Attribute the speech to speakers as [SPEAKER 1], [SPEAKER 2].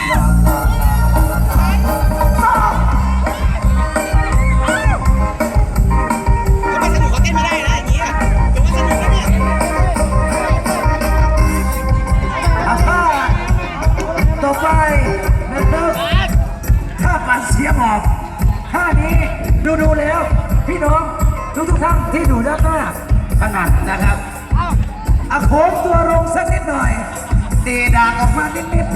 [SPEAKER 1] ต่อไปนะครับถ้าปัดเสียงออกท่านี้ดูแล้วพี่น้องทุกท่านที่อยู่ด้านหน้าถนัดนะครับโค้งตัวลงสักนิดหน่อยตีดากออกมานิด